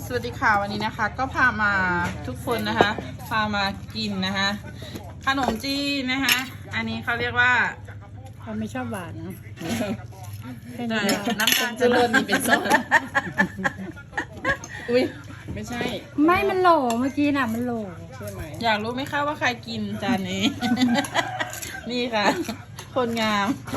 สวัสดีค่ะวันนี้นะคะก็พามาทุกคนนะคะพามากินนะคะขนมจีนนะคะอันนี้เขาเรียกว่าเขาไม่ชอบหวานนะแค่เอ่นี้อน้ำตาลจะเลิศนี่เป็นส้ม อุ้ยไม่ใช่ไม่มันโหลเมื่อกี้น่ะมันโหลใช่ไหมอยากรู้ไหมคะว่าใครกินจานนี้ นี่ค่ะ คนงาม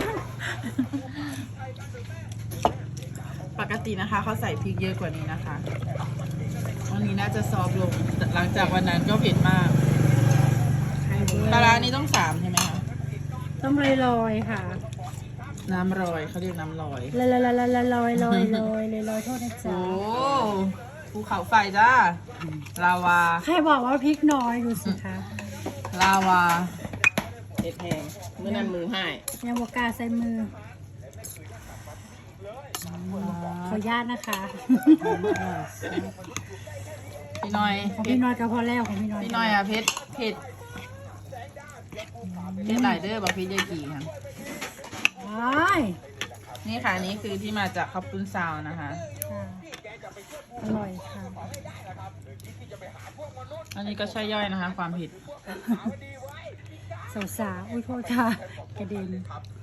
ปกตินะคะเขาใส่พริกเยอะกว่านี้นะคะวันนี้น่าจะซอฟต์ลงหลังจากวันนั้นก็เผ็ดมากปลาร้านี้ต้อง3ใช่ไหมคะต้องลอยๆค่ะน้ำลอยเขาเรียกน้ำลอยลอยโทษนะจ๊ะโอ้ภูเขาไฟจ้าลาวาใครบอกว่าพริกน้อยดูสิคะลาวาเอ็ดแพงเมื่อนั้นมือให้ยังบกล้าใส่มือขออนุญาตนะคะพี่น้อยของเพพี่ชรน้อยก็พอแล้วของพี่น้อยพี่น้อยอ่ะเพชรหลายเด้อบอกพี่ยายกี่ค่ะว้ายนี่ค่ะนี่คือที่มาจากข้าวปุ้นซาวนะคะค่ะอร่อยค่ะอันนี้ก็ใช่ย่อยนะคะ ความผิดสาวๆอุ้ยโทษค่ะกระเด็น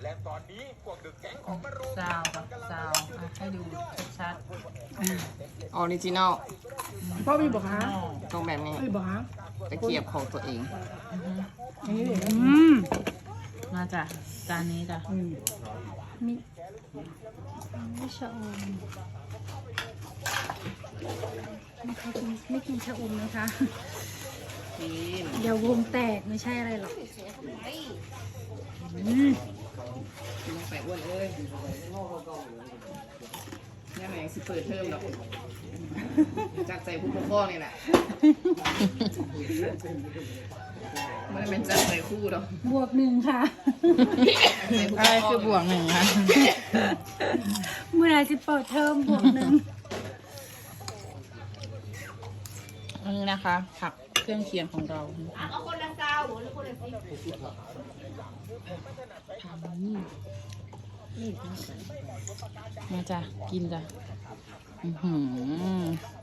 ซาวกับซาวอ่ะให้ดูชัดออริจินอลพ่อมีบอกฮะๆตรงแบบนี้มีบอกฮะตะเกียบของตัวเองมาจ้ะจานนี้จ้ะมีไม่ชะอมไม่กินชะอมนะคะกินเดี๋ยววงแตกไม่ใช่อะไรหรอกกินลงไปอ้วนเอ้ยยังไงสิเปิดเทอมหรอกจากใจผู้ปกครองนี่แหละมันเป็นจากใจคู่หรอกบวกหนึ่งค่ะอะไรคือบวกหนึ่งคะเมื่อไหรจะเปิดเทอมบวกหนึ่งอันนี้นะคะ ผักเครื่องเคียงของเราเอาคนละซาวหรือคนละมาจ้ะกินจ้ะอื้อหือ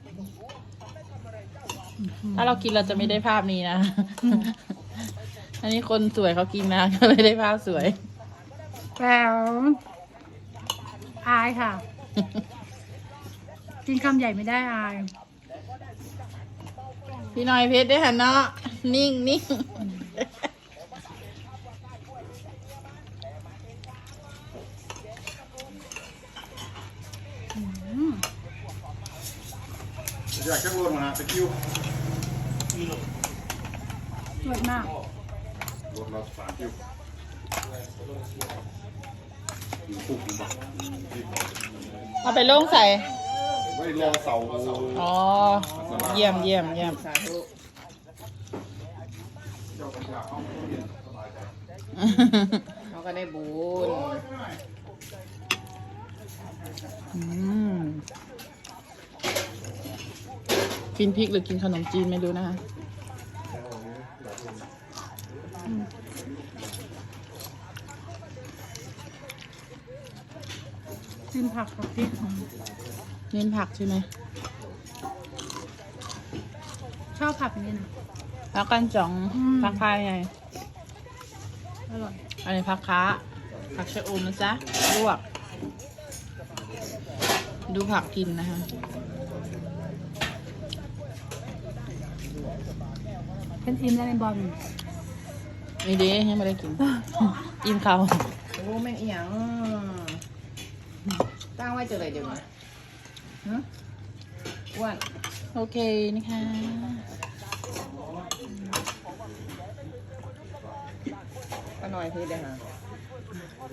ถ้าเรากินเราจะไม่ได้ภาพนี้นะ อันนี้คนสวยเขากินนะ ก็เลยได้ภาพสวยแล้วอายค่ะ กินคำใหญ่ไม่ได้อายพี่น้อยเพชรได้หันเนาะนิ่งนิ่งอยากจะรวมนะตะคิวสวยมากรวมเรา3 คิวอยู่ปุ๊บผมบอกเอาไปลงใส่ไว้รอเสาอ๋อ เยี่ยมเยี่ยมเยี่ยมสาธุเขาก็ได้บุญอืมกินพริกหรือกินขนมจีนไม่รู้นะคะกินผักกับพริกเน้นผักใช่ไหมชอบผักนี่นะผักกันจ่อง ผักพายไงอร่อยอันนี้ผักค้า ผักชะอมนะจ๊ะลวก ดูผักกินนะคะเป็นอิ่มแล้วเป็นบอลนี่เด้ยังไม่ได้กิน อิ่มเขาโอ้แม่งอีหยังตั้งไว้เจออะไรเดี๋ยวนี้ฮะอ้วนโอเคนะคะก็น้อยคือเดี๋ยวหา